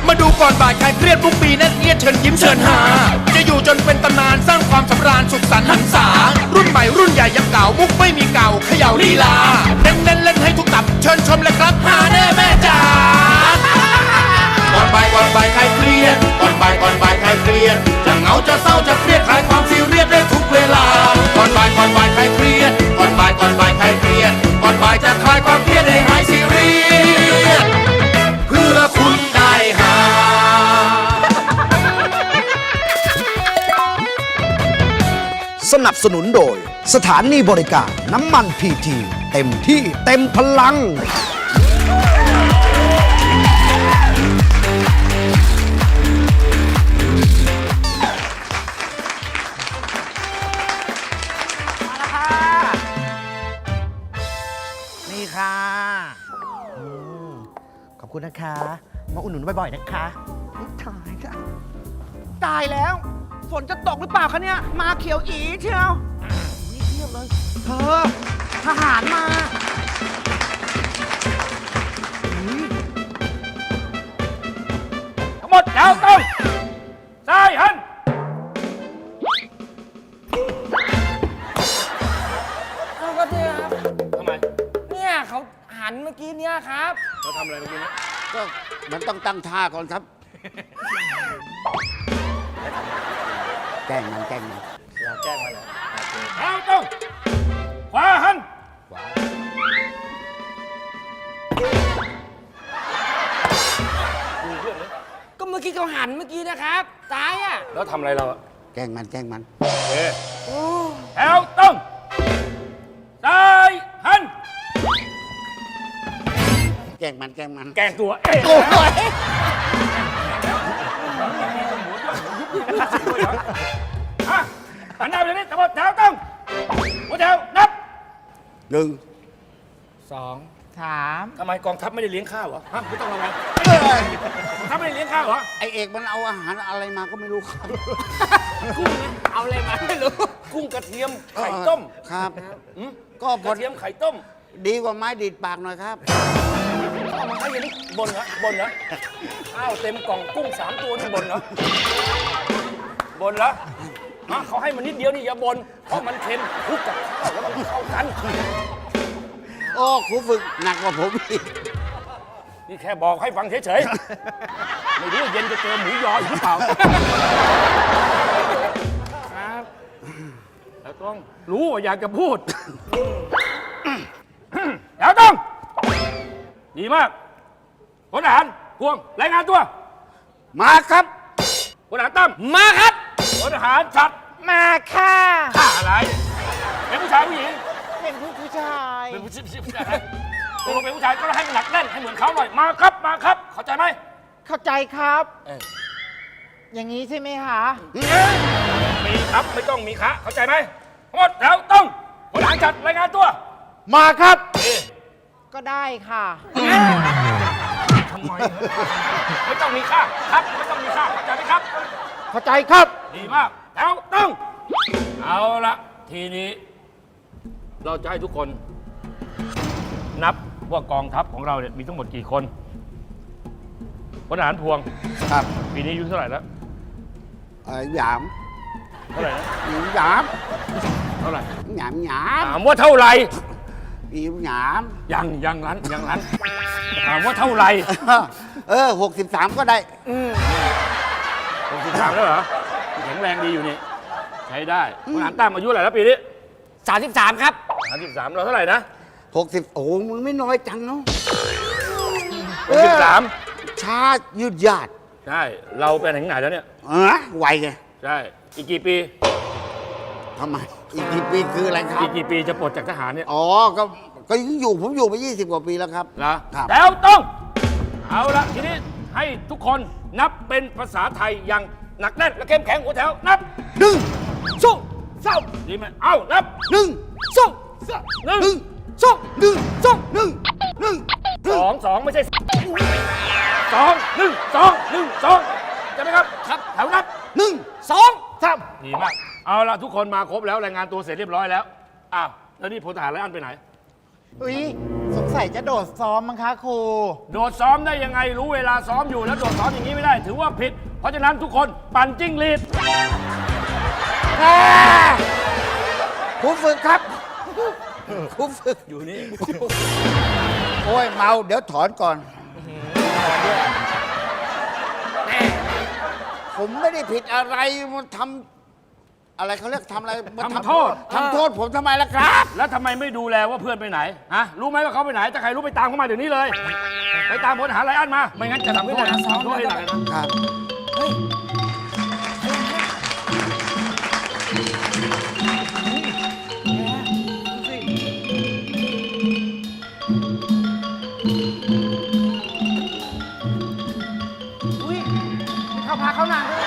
มาดูก่อนบ่ายใครเครียดทุกปีนั่นเอียดเชิญยิ้มเชิญหาจะอยู่จนเป็นตำนานสร้างความสำราญสุขสันต์หันษารุ่นใหม่รุ่นใหญ่ยังเก่ามุกไม่มีเก่าเขย่าลีลาเน้นเล่นให้ทุกตับเชิญชมเลยครับหาแน่แม่จ๋าก่อนบ่ายใครเครียดก่อนบ่ายใครเครียดจะเหงาจะเศร้าจะเครียดคลายความซีเรียสได้ทุกเวลาก่อนบ่ายใครเครียดก่อนบ่ายใครเครียดก่อนบ่ายจะคลายความเครียดให้หายซีเรียสเพื่อคุณได้หาสนับสนุนโดยสถานีบริการน้ำมันพีทีเต็มที่เต็มพลังนี่ค่ะขอบคุณนะคะมาอุดหนุนบ่อยๆนะคะตายค่ะตายแล้วฝนจะตกหรือเปล่าคะเนี่ยมาเขียวอีเชียวนี่เทียบเลยเธอทหารมาทั้งหมดแถวตรงซ้ายหันเอาก็เนี่ยครับทำไมเนี่ยเขาหันเมื่อกี้เนี่ยครับเราทำอะไรเมื่อกี้นี้ก็มันต้องตั้งท่าก่อนครับ แกล้งมันอยากแกล้งมาเลยแถวตรงขวาหันก็เมื่อกี้เขาหันเมื่อกี้นะครับซ้ายอ่ะแล้วทำอะไรเราอะแกล้งมันโอเคแถวตรงซ้ายหันแกล้งมันแกล้งตัวเองฮะหันหน้าไปทางนี้ทั้งหมดแถวตรงหัวแถวนับ 1 2 3 ทำไมกองทัพไม่ได้เลี้ยงข้าวเหรอฮะไม่ต้องระวังกองทัพไม่ได้เลี้ยงข้าวเหรอไอเอกมันเอาอาหารอะไรมาก็ไม่รู้ครับกุ้งนะเอาอะไรมาไม่รู้กุ้งกระเทียมไข่ต้มครับอืมก็กระเทียมไข่ต้มดีกว่าไม้ดีดปากหน่อยครับเอามาให้ยันนี่บนเหรอข้าวเต็มกล่องกุ้ง3 ตัวนี่บนเหรอฮะเขาให้มันนิดเดียวนี่อย่าบนเพราะมันเค็มคลุกกับข้าวแล้วมันเข้ากันโอ้ครูฝึกหนักกว่าผมอีกนี่แค่บอกให้ฟังเฉยๆ ไม่รู้ว่าเย็นจะเจอหมูยออีกหรือเปล่าครับแล้วต้องรู้ว่าอยากจะพูดแล้วต้องดีมากพลทหารพวงรายงานตัวมาครับพลทหารตั้มมาครับพลทหารชัดมาค่ะฆ่าอะไรเป็นผู้ชายผู้หญิงเป็นผู้ชายเป็นผู้ชายตกลงเป็นผู้ชายก็ให้มันหนักแน่นให้เหมือนเขาหน่อยมาครับเข้าใจไหมเข้าใจครับ อย่างนี้ใช่ไหมคะมีครับไม่ต้องมีคะเข้าใจไหมทั้งหมดแล้วต้องพลทหารชัดรายงานตัวมาครับก็ได้ค่ะทำไมไม่ต้องมีค่าครับไม่ต้องมีค่าเข้าใจไหมครับเข้าใจครับดีมากแล้วต้องเอาละทีนี้ เราจะให้ทุกคน นับว่ากองทัพของเราเนี่ยมีทั้งหมดกี่คนพลทหารพวงครับปีนี้อายุเท่าไหร่แล้วหยามเท่าไหร่นะหยามเท่าไหร่หยามถามว่าเท่าไหร่หยามยังร้านถามว่าเท่าไหร่ 63 ก็ได้ 63แล้วเหรอแข็งแรงดีอยู่นี่ใช้ได้พลทหารตั้มอายุเท่าไหร่แล้วปีนี้ 33 ครับ 33เราเท่าไหร่นะ 60 โอ้มึงไม่น้อยจังเนาะ 63 ช้ายืดยาดใช่เราไปถึงไหนแล้วเนี่ยไวไงใช่อีกกี่ปีทำไม อีกกี่ปีคืออะไรครัอีบกกี่ปีจะปลดจากทหารเนี่ยอ๋อ ก็ยังอยู่ผมอยู่มา20 กว่าปีแล้วครับนะครับ แล้วต้อง เอาละทีนี้ให้ทุกคนนับเป็นภาษาไทยอย่างหนักแน่นและเข้มแข็งหัวแถวนับ 1 2 3 ดีไหมเอานับ 1 2 3 1 1 2 1 2 1 1 2 ไม่ใช่2 1 2 1 2ใช่ไหมครับครับแถวนับ 1 2 3 ดีมากเอาละทุกคนมาครบแล้วรายงานตัวเสร็จเรียบร้อยแล้วอ้าวแล้วนี่พลทหารไลอ้อนไปไหนอุ้ยสงงสัยจะโดดซ้อมมั้งคะครูโดดซ้อมได้ยังไงรู้เวลาซ้อมอยู่แล้วโดดซ้อมอย่างนี้ไม่ได้ ถือว่าผิด เพราะฉะนั้นทุกคนปั่นจิ้งหรีดครูฝึกครับครูฝึกอยู่นี่โอ้ยเมาเดี๋ยวถอนก่อนผมไม่ได้ผิดอะไรมันทำอะไรเขาเรียกทำอะไรมันทำโทษทำโทษผมทำไมล่ะครับแล้วทำไมไม่ดูแลว่าเพื่อนไปไหนฮะรู้ไหมว่าเขาไปไหนถ้าใครรู้ไปตามเขามาเดี๋ยวนี้เลย ไปตามพลทหารไรอันมา ไม่งั้นจะทำโทษนะทำโทษให้หนักเลยนะครับอุ้ยมีข้าวพาข้าวนางด้วย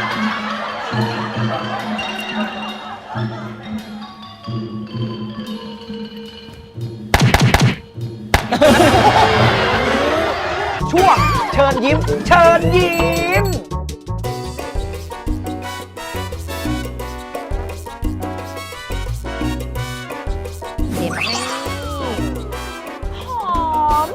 ช่วงเชิญยิ้ม เชิญยิ้มเดี๋ยวให้หอม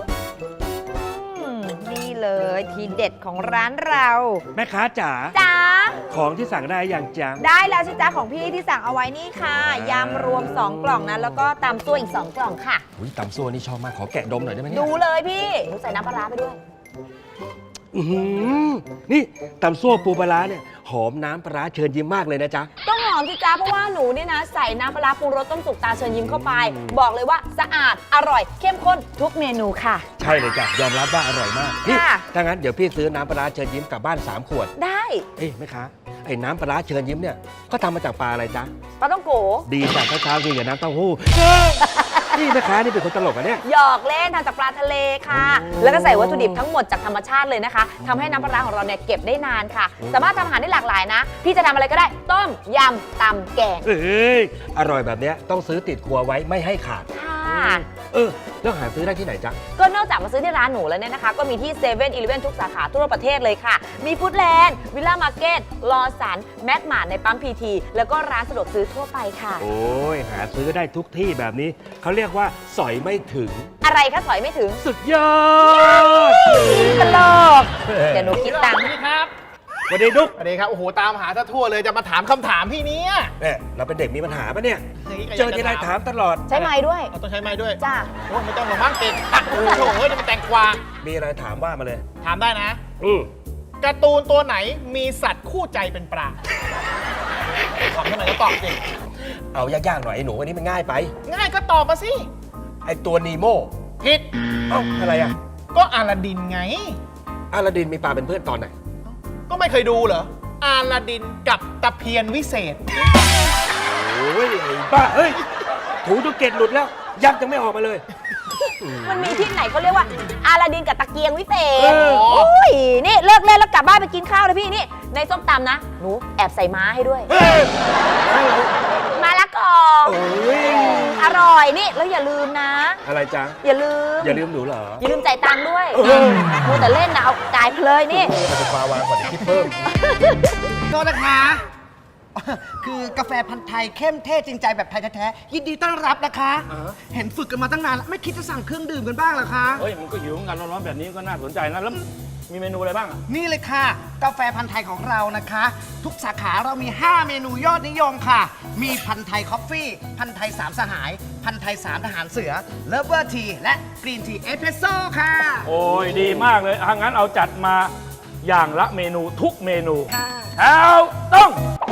นี่เลยทีเด็ดของร้านเราแม่ค้าจ๋าจ้าของที่สั่งได้อย่างจังได้แล้วสิจ้าของพี่ที่สั่งเอาไว้นี่ค่ะยำรวม 2 กล่องนะแล้วก็ตำซั่วอีก 2 กล่องค่ะอุ้ยตำซั่วนี่ชอบมาก ขอแกะดมหน่อยได้ไหมเนี่ยดูเลยพี่หนูใส่น้ำปลาร้าไปด้วยอื้อหือนี่ตำซั่วปูปลาร้าเนี่ย หอมน้ำปลาร้าเชิญยิ้มมากเลยนะจ๊ะต้องหอมสิจ้าเพราะว่าหนูเนี่ยนะใส่น้ำปลาร้าปรุงรสต้มสุกตาเชิญยิ้มเข้าไป บอกเลยว่าสะอาดอร่อย เข้มข้นทุกเมนูค่ะใช่เลยจ้ะ ยอมรับว่าอร่อยมาก นี่ค่ะถ้างั้นเดี๋ยวพี่ซื้อน้ำปลาร้าเชิญยิ้มกลับบ้าน3 ขวดได้เอ้ยแม่ค้าไอ้น้ำปลาร้าเชิญยิ้มเนี่ยก็ทำมาจากปลาอะไรจ๊ะปลาต้องโกดีจ้ะเช้าๆกินกับน้ำเต้าหู้ นี่แม่ค้านี่เป็นคนตลกอะเนี่ยหยอกเล่นทำจากปลาทะเลค่ะ แล้วก็ใส่วัตถุดิบทั้งหมดจากธรรมชาติเลยนะคะทำให้น้ำปลาร้าของเราเนี่ยเก็บได้นานค่ะ สามารถทำอาหารได้หลากหลายนะ พี่จะทำอะไรก็ได้ ต้ม ยำ ตำ แกงเอ้ยอร่อยแบบเนี้ยต้องซื้อติดครัวไว้ไม่ให้ขาดค่ะแล้วหาซื้อได้ที่ไหนจ๊ะก็นอกจากมาซื้อที่ร้านหนูแล้วเนี่ยนะคะ ก็มีที่7 e เ e ่ e อทุกสาขาทั่วประเทศเลยค่ะ มีฟู้ดแลนด์วิลล่ามาร์เก็ตลอสันแมกมาร์ทในปั๊มพีทีแล้วก็ร้านสะดวกซื้อทั่วไปค่ะโอ้ยหาซื้อได้ทุกที่แบบนี้เขาเรียกว่าสอยไม่ถึงอะไรคะสอยไม่ถึงสุดยอดตลกเดี๋ยวหนูคิดตังค์นี่ครับสวัสดีดุ๊กสวัสดีครับ โอ้โห ตามหาซะทั่วเลย จะมาถามคำถามพี่เนี่ยเนี่ยเราเป็นเด็กมีปัญหาปะเนี่ยย่างนี้ก็เจอทีไรถามตลอดใช้ไม้ด้วยเอาต้องใช้ไม้ด้วยจ้าโอ้ไม่ต้องหรอกมั้งเก่งโอ้โหเฮ้ยนี่มันแตงกวามีอะไรถามว่ามาเลยถามได้นะอืมการ์ตูนตัวไหนมีสัตว์คู่ใจเป็นปลาถามเท่าไหร่ก็ตอบสิเอายากๆหน่อยไอ้หนูอันนี้มันง่ายไปง่ายก็ตอบมาสิไอ้ตัวนีโมผิดเอ้าอะไรอ่ะก็อาลาดินไงอาลาดินมีปลาเป็นเพื่อนตอนไหนก็ไม่เคยดูเหรอ อาลาดินกับตะเพียนวิเศษโอ้ยไอ้บ้าเฮ้ยถูจนเกล็ดหลุดแล้ว ยักษ์ยังไม่ออกมาเลยมันมีที่ไหนเขาเรียกว่าอาลาดินกับตะเกียงวิเศษเออโอ้ยนี่เลิกเล่นแล้วกลับบ้านไปกินข้าวเลยพี่นี่ ในส้มตำนะ หนูแอบใส่ม้าให้ด้วยเฮ้ยมาละกอโอ้ยอร่อยนี่ แล้วอย่าลืมนะอะไรจ๊ะอย่าลืมอย่าลืมหนูเหรออย่าลืมจ่ายตังค์ด้วยเออมูแต่เล่นนะเอาจ่ายเพลยนี่มันจะปลาวางก่อนเดี๋ยวคิดเพิ่มโทษนะคะ คือกาแฟพันธุ์ไทยเข้มเท่จริงใจแบบไทยแท้ๆยินดีต้อนรับนะคะ เห็นฝึกกันมาตั้งนานแล้วไม่คิดจะสั่งเครื่องดื่มกันบ้างเหรอคะเฮ้ยมันก็หิวเหมือนกันร้อนๆแบบนี้ก็น่าสนใจนะแล้วมีเมนูอะไรบ้างอะนี่เลยค่ะ กาแฟพันธุ์ไทยของเรานะคะ ทุกสาขาเรามี 5 เมนูยอดนิยมค่ะ มีพันธุ์ไทยคอฟฟี่ พันธุ์ไทยสามสหาย พันธุ์ไทย3ทหารเสือเลเวอร์ทีและกรีนทีเอสเพรสโซ่ค่ะโอ้ยดีมากเลยถ้างั้นเอาจัดมาอย่างละเมนูทุกเมนูค่ะแล้วต้อง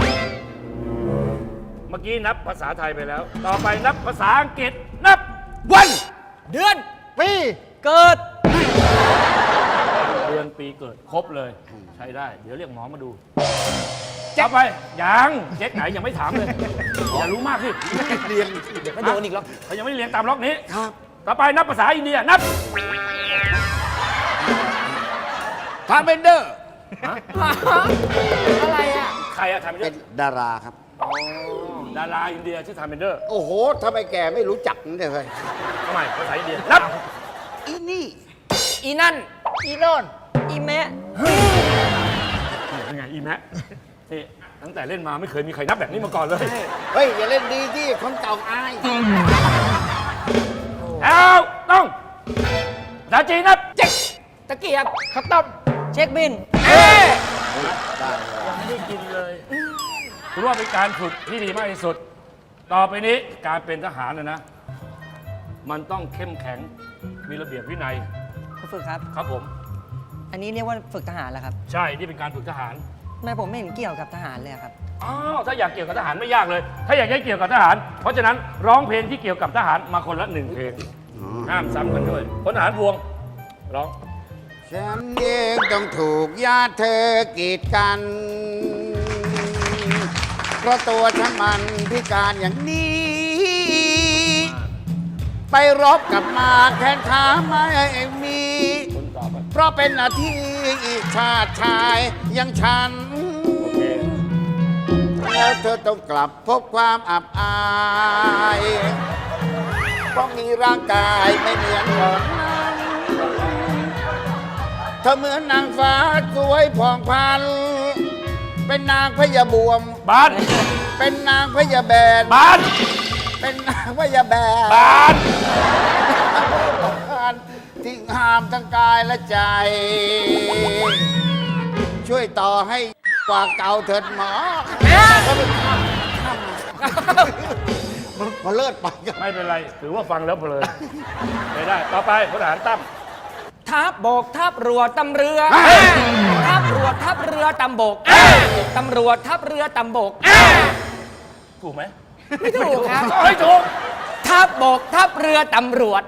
เมื่อกี้นับภาษาไทยไปแล้ว ต่อไปนับภาษาอังกฤษนับวันเดือน ปีเกิดเดือนปีเกิดครบเลย ใช้ได้ เดี๋ยวเรียกหมอมาดูต่อไปยังเช็คไหนยังไม่ถามเลย อย่ารู้มากสิเรียนเดี๋ยวก็โดนอีกแล้วเขายังไม่ได้เรียนตามล็อกนี้ครับต่อไปนับภาษาอินเดียนับทาร์เบนเดอร์อะไรอ่ะใครอะทำเป็นดาราครับดาราอินเดียชื่อทาร์เมนเดอร์โอ้โหทำไมแกไม่รู้จักนั่นเลยทำไมภาษาอินเดียนับอีนี่อีนั่นอีโน่นอีแม่เป็นไงอีแมะนี่ตั้งแต่เล่นมาไม่เคยมีใครนับแบบนี้มาก่อนเลยเฮ้ย อย่าเล่นดีที่คนเก่าอายแล้วต้องภาษาจีนนับเจ๊กตะเกียบข้าวต้มเช็คบินยังไม่ได้กินเลยถือว่าเป็นการฝึกที่ดีมากที่สุด ต่อไปนี้การเป็นทหารนะ มันต้องเข้มแข็ง มีระเบียบวินัยคุณฝึกครับครับผมอันนี้เรียกว่าฝึกทหารแล้วครับใช่ นี่เป็นการฝึกทหารทำไมผมไม่เห็นเกี่ยวกับทหารเลยครับอ้าว ถ้าอยากเกี่ยวกับทหารไม่ยากเลย ถ้าอยากให้เกี่ยวกับทหาร เพราะฉะนั้นร้องเพลงที่เกี่ยวกับทหารมาคนละ1 เพลง ห้ามซ้ำกันด้วยพลทหารพวง ร้องฉันเองต้องถูกญาติเธอกีดกัน เพราะตัวฉันมันพิการอย่างนี้ ไปรบกับมาแขนขาไม่มีคนต่อไปเพราะเป็นหน้าที่ชาติชายอย่างฉันโอเคแล้วเธอต้องกลับพบความอับอายเพราะมีร่างกายไม่เหมือนก่อนนั้นเธอเหมือนนางฟ้าสวยผ่องพรรณเป็นนางพญาบวมบ้านเป็นนางพญาแบนบ้านเป็นนางพญาแบนบ้านที่งามทั้งกายและใจ ช่วยต่อให้กว่าเก่าเถิดหมอพอเลิศไปกันไม่เป็นไร ถือว่าฟังแล้วเพลินไม่ได้ ต่อไปพลทหารตั้มทัพบกทัพรัวตำเรือทัพรัวทัพเรือตำบกตำรวจทัพเรือตำบกถูกไหมไม่ถูกครับไม่ถูกทัพบกทัพเรือตำรวจ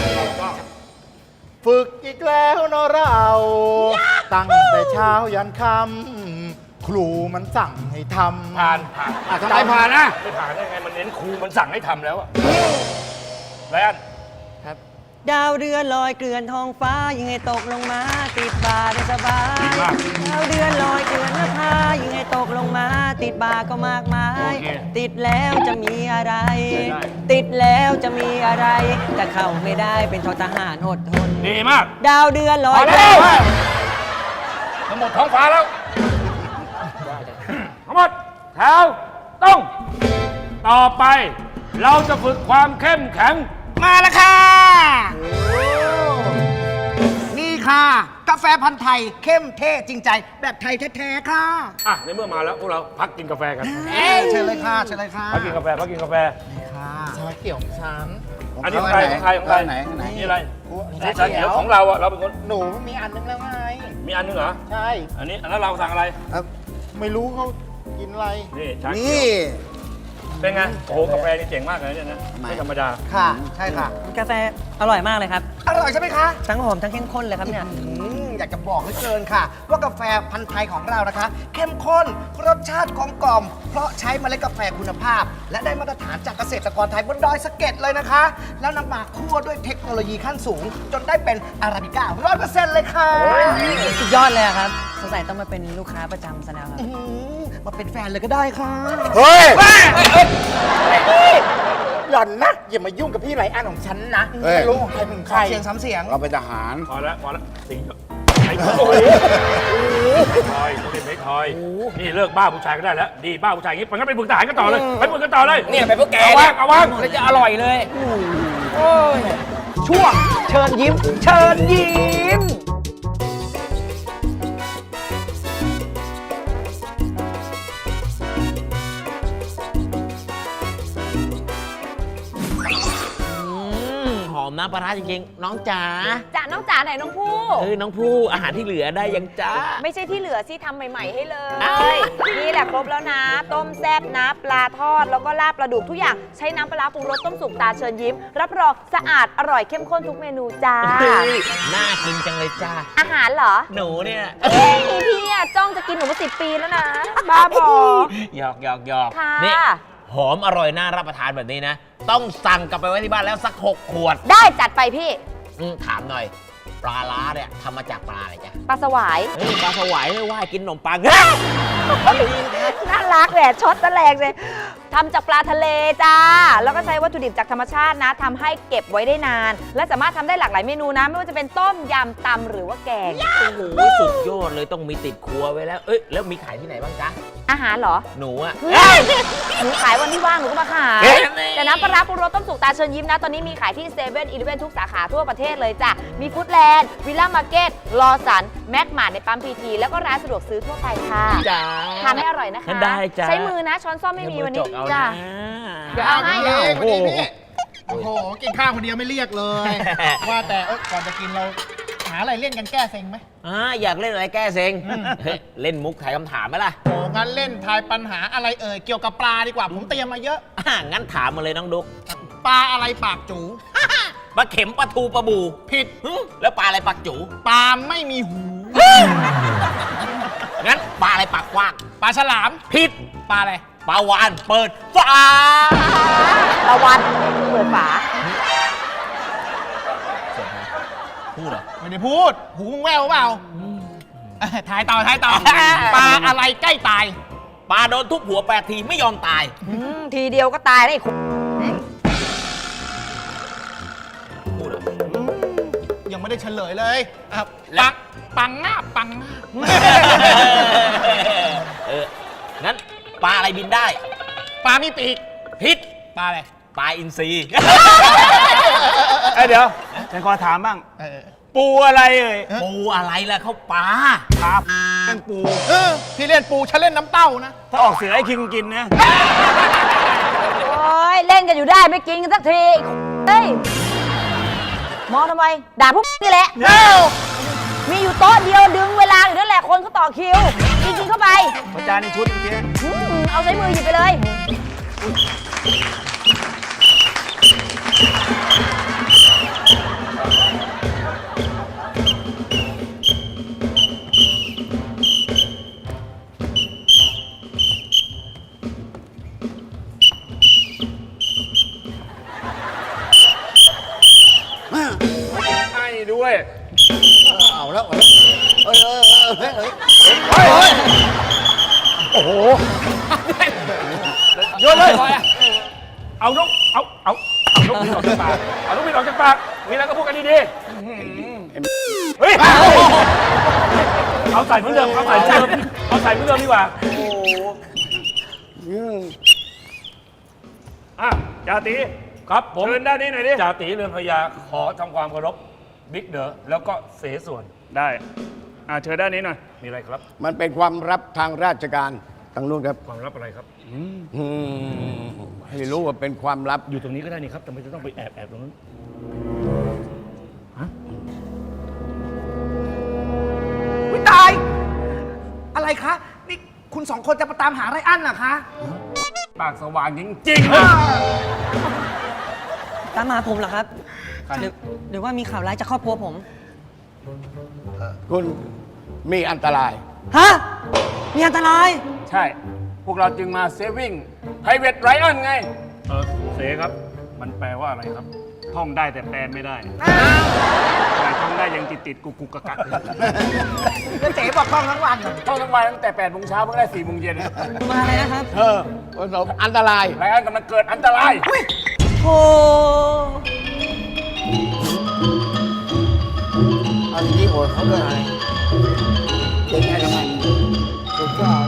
ฝึกอีกแล้วเนอะเรา ตั้งแต่เช้ายันค่ำครูมันสั่งให้ทำผ่านทำไมผ่านนะไม่ผ่านได้ไง มันเน้นครูมันสั่งให้ทำแล้วอะไรอันดาวเรือนลอยเกลื่อนท้องฟ้ายิงให้ตกลงมา ติดบ่าได้สบายดีมากดาวเรือนลอยเกลื่อนหน้าผายิงให้ตกลงมา ติดบ่าก็มากมายโอเคติดแล้วจะมีอะไรได้ติดแล้วจะมีอะไรจะเข้าไม่ได้เป็นททหารอดทนดีมากดาวเดือนลพออย แล้วทั้งหมดท้องฟ้าแล้ว ทั้งหมดแถวต้อง ต่อไป เราจะฝึกความเข้มแข็งมาแล้วค่ะ นี่ค่ะ กาแฟพันธุ์ไทยเข้มเท่จริงใจ แบบไทยแท้ๆค่ะอ่ะ ในเมื่อมาแล้ว พวกเราพักกินกาแฟกันเชิญเลยค่ะเชิญเลยค่ะพักกินกาแฟ พักกินกาแฟชาเขียวของฉันอันนี้ของใครของใครของใครไหนไหนนี่อะไรนี่ชาเขียวของเราอะเราเป็นคนหนูมีอันนึงแล้วไงมีอันนึงเหรอใช่อันนี้แล้วเราสั่งอะไรไม่รู้เขากินอะไรนี่ชาเขีนี่ยวเป็นไง โอ้โห กาแฟนี่เจ๋งมากเลยเนี่ยนะ ไม่ธรรมดาค่ะ ใช่ค่ะ กาแฟอร่อยมากเลยครับ อร่อยใช่ไหมคะ ทั้งหอมทั้งเข้มข้นเลยครับเนี่ยอยากจะบอกเหลือเกินค่ะ ว่ากาแฟพันธุ์ไทยของเรานะคะ เข้มข้นรสชาติกลมกล่อมเพราะใช้เมล็ดกาแฟคุณภาพ และได้มาตรฐานจากเกษตรกรไทยบนดอยสะเก็ดเลยนะคะ แล้วนำมาคั่วด้วยเทคโนโลยีขั้นสูง จนได้เป็นอาราบิก้า100%เลยค่ะสุดยอดเลยครับสงสัยต้องมาเป็นลูกค้าประจำซะแล้วครับมาเป็นแฟนเลยก็ได้ค่ะเฮ้ยหล่อนนะ อย่ามายุ่งกับพี่ไรอันของฉันนะเฮ้ยไม่รู้ของใครเป็นใครเสียงซ้ำเสียงเราเป็นทหารพอแล้วพอแล้วสิงไอ้โอ้โหทอยต้องเป็นเพชรทอย นี่เลิกบ้าผู้ชายก็ได้แล้ว ดีบ้าผู้ชายอย่างนี้ไปงั้นไปฝึกทหารกันต่อเลย ไปฝึกกันต่อเลยเนี่ยไปพวกแกเอาวางเอาวางแล้วจะอร่อยเลยช่วงเชิญยิ้ม เชิญยิ้มหอมน้ำปลาร้าจริงๆ น้องจ๋าจะน้องจ๋าไหนน้องผู้น้องผู้อาหารที่เหลือได้ยังจ้าไม่ใช่ที่เหลือสิทำใหม่ ๆ ให้เลอ้าวย นี่แหละครบแล้วนะ ต้มแซ่บนะปลาทอด แล้วก็ลาบปลาดุกทุกอย่าง ใช้น้ำปลาร้าปรุงรสต้มสุกตาเชิญยิ้ม รับรองสะอาดอร่อยเข้มข้นทุกเมนูจ้าน่ากินจังเลยจ้าอาหารเหรอหนูเนี่ยเอ้ยพี่อะจ้องจะกินหนูมา10 ปีแล้วนะ บ้าบอหยอกหยอกหยอกค่ะนี่หอมอร่อยน่ารับประทานแบบนี้นะ ต้องสั่งกลับไปไว้ที่บ้านแล้วสัก 6 ขวดได้จัดไปพี่ถามหน่อย ปลาล้าเนี่ยทำมาจากปลาอะไรจ๊ะปลาสวายปลาสวายเลยว่ากินขนมปังน่ารักแหละช็อตตะแลงเลยทำจากปลาทะเลจ้า แล้วก็ใช้วัตถุดิบจากธรรมชาตินะทำให้เก็บไว้ได้นาน และสามารถทำได้หลากหลายเมนูนะ ไม่ว่าจะเป็นต้มยำตำหรือว่าแกงโอ้โหสุดยอดดเลยต้องมีติดครัวไว้แล้ว เอ้ยแล้วมีขายที่ไหนบ้างจ๊ะอาหารเหรอหนูอะเฮ้ยหนูขายวันที่ว่างหนูก็มาขาย แต่น้ำปลาร้าปรุงรสต้มสุกตาเชิญยิ้มนะ ตอนนี้มีขายที่เซเว่นอีเลฟเว่นทุกสาขาทั่วประเทศเลยจ้ะ มีฟู้ดแลนด์วิลล่ามาร์เก็ตลอสันแม็กมาร์ทในปั๊มพีทีแล้วก็ร้านสะดวกซื้อทั่วไปค่ะจ้าทานให้อร่อยนะคะได้จ้ะใช้มือนะ ช้อนซ่อมไม่มีวันนี้เอาจ้ะนะเดี๋ยวเอาให้โอ้โหโอ้โห กินข้าวคนเดียวไม่เรียกเลย ว่าแต่ก่อนจะกินเราหาอะไรเล่นกันแก้เซ็งไหมอยากเล่นอะไรแก้เซ็งเฮ้ยเล่นมุกถ่ายคำถามไหมล่ะโอ้งั้นเล่นทายปัญหาอะไรเกี่ยวกับปลาดีกว่า ผมเตรียมมาเยอะงั้นถามมาเลยน้องดุ๊กปลาอะไรปากจูปลาเข็มปลาทูปลาบูผิดแล้วปลาอะไรปากจูปลาไม่มีหูงั้นปลาอะไรปากกว้างปลาฉลามผิดปลาอะไรปลาวานเปิดฝาตะวันเปิดฝาพูดเหรอไม่ได้พูด หูมึงแววเปล่าทายต่อ ปลาอะไรใกล้ตายปลาโดนทุบหัว8 ทีไม่ยอมตายทีเดียวก็ตายแล้วไอ้คุณพูดเหรอยังไม่ได้เฉลยเลยอ่ะแล้วปังงาบงั้นปลาอะไรบินได้ปลามีปีกพิษปลาอะไรปลาอินทรีเดี๋ยวฉันขอถามบ้าง ปูอะไรเอ่ยปูอะไรล่ะเขาปลาครับเป็นปูพี่เล่นปูฉันเล่นน้ำเต้านะถ้าออกเสือให้คิงกินนะโอ้ยเล่นกันอยู่ได้ไม่กินกันสักทีเฮ้ยมองทำไม ด่าพวกนี่แหละ มีอยู่โต๊ะเดียวดึงเวลาอยู่นั่นแหละคนเขาต่อคิวกินเข้าไปประจานในชุดเมื่อกี้เอาใช้มือหยิบไปเลยให้ด้วยเอาแล้วโอ้โหโยนเลย เอานกเอานกบินออกจากปาก เอานกบินออกจากปาก มีอะไรก็พูดกันดีๆเฮ้ย เอาใส่เหมือนเดิม เอาใส่เหมือนเดิม เอาใส่เหมือนเดิมดีกว่า โอ้โหจ่าตีครับผมเชิญด้านนี้หน่อยดิจ่าตีเรือนพญาขอทำความเคารพบิ๊กเด๋อแล้วก็เสส่วนได้เชิญด้านนี้หน่อย มีอะไรครับมันเป็นความลับทางราชการทางนู้นครับความลับอะไรครับให้รู้ว่าเป็นความลับอยู่ตรงนี้ก็ได้นี่ครับทำไมจะต้องไปแอบตรงนั้นวิตาย อะไรคะ นี่คุณสองคนจะมาตามหาไรอันเหรอคะปากสว่างจริงๆตามหาผมเหรอครับหรือว่ามีข่าวร้ายจากครอบครัวผมคุณมีอันตรายฮะ มีอันตรายใช่ พวกเราจึงมาเซฟวิ่งไพรเวทไรอันไง เสครับ มันแปลว่าอะไรครับ ท่องได้แต่แปลไม่ได้แต่ท่องได้ยังติดกุกกักแล้วเจ๊บอกท่องทั้งวันท่องทั้งวันตั้งแต่8 โมงเช้าเพิ่งได้4 โมงเย็นมาอะไรนะครับประสบอันตรายไรอันกำลังเกิดอันตรายโอ้อันนี้โอดเขาด้วยอะไรเด็กไงทำไมสุดยอด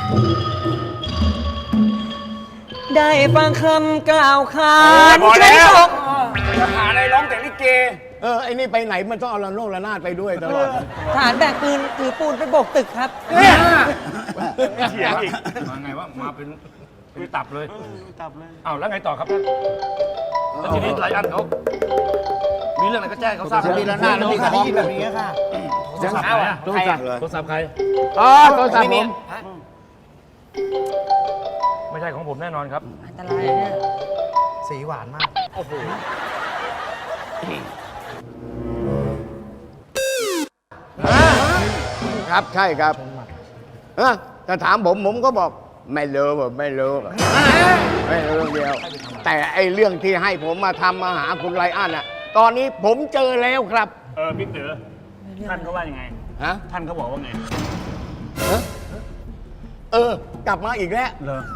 ได้ฟังคำกล่าวขานพอแล้วตกจะหาอะไรร้องแต่ลิเกไอ้นี่ไปไหนมันต้องเอาละโนกระนาดไปด้วยตลอดทหารแบกปืนถือปูนไปโบกตึกครับเถียงอีกมาไงวะมาเป็นตับเลยอ้าวแล้วไงต่อครับท่านแล้วทีนี้ไรอันเขามีเรื่องอะไรก็แจ้งเขาทราบจะมีระนาดแล้วมีของแบบนี้ค่ะโทรศัพท์ใครอะโทรศัพท์เลยโทรศัพท์ใครโทรศัพท์ผมไม่ใช่ของผมแน่นอนครับอันตรายเนี่ยสีหวานมากครับใช่ครับถ้าถามผมก็บอกไม่รู้ไม่รู้ไม่รู้เรื่องเดียว แต่ไอ้เรื่องที่ให้ผมมาทำมาหาคุณไรอันตอนนี้ผมเจอแล้วครับบิ๊กเด๋อท่านเขาว่ายังไงฮะท่านเขาบอกว่าไงกลับมาอีกแล้วเหรอ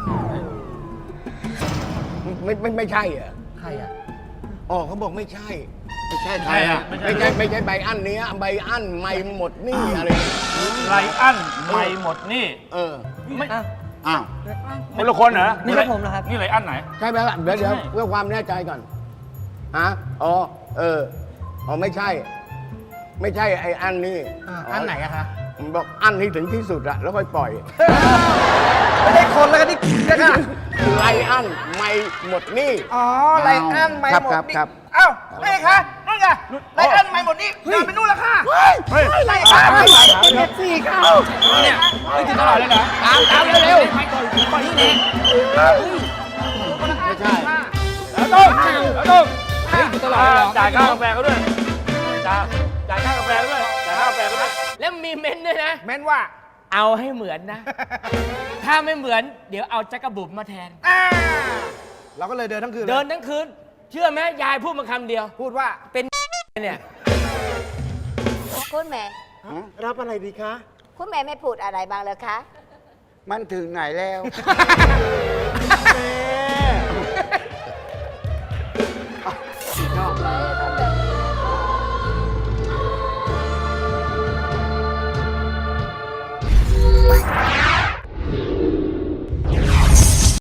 ไม่ใช่เหรอใครอ่ะอ๋อเขาบอกไม่ใช่ ไม่ใช่ใช่อะไม่ใช่ใบอันเนี้ยใบอันไม่หมดหนี่อะไรเนี่ยไรอันไม่หมดหนี่เออไม่อ้าวคนละคนเหรอนี่ครับผมเหรอครับนี่ไรอันไหนใช่ไหมล่ะเดี๋ยวเพื่อความแน่ใจก่อนฮะอ๋ออ๋อไม่ใช่ ไม่ใช่ไอ้อันนี้อันไหนอะคะผมบอกอันนี้ถึงที่สุดอะแล้วค่อยปล่อยไม่ได้คนแล้วกันนี่นะคะไรอันไม่หมดหนี่อ๋อไลอันไม่หมดนี่ครับเอ้านี่คะนู่นไงไลอันไม่หมดนี่เดินไปนู่นแล้วค่ะเฮ้ยไลอันไม่หมดนี่สี่ค่ะเนี่ยเฮ้ยถึงตลอดเลยเหรอตามเร็วไปก่อนไปนี่เองไม่ใช่แล้วต้องเฮ้ยถึงตลอดเลยเหรอจ่ายค่ากาแฟเขาด้วยจ่ายค่ากาแฟเขาด้วยจ่ายค่ากาแฟเขาด้วยแล้วมีเม้นด้วยนะแม่นว่าเอาให้เหมือนนะ ถ้าไม่เหมือนเดี๋ยวเอาจักรบุ๋มมาแทนเราก็เลยเดินทั้งคืนเดินทั้งคืน เชื่อไหมยายพูดมาคำเดียวพูดว่าเป็นเนี่ยคุณแม่รับอะไรดีคะคุณแม่ไม่พูดอะไรบ้างเลยคะมันถึงไหนแล้วแม่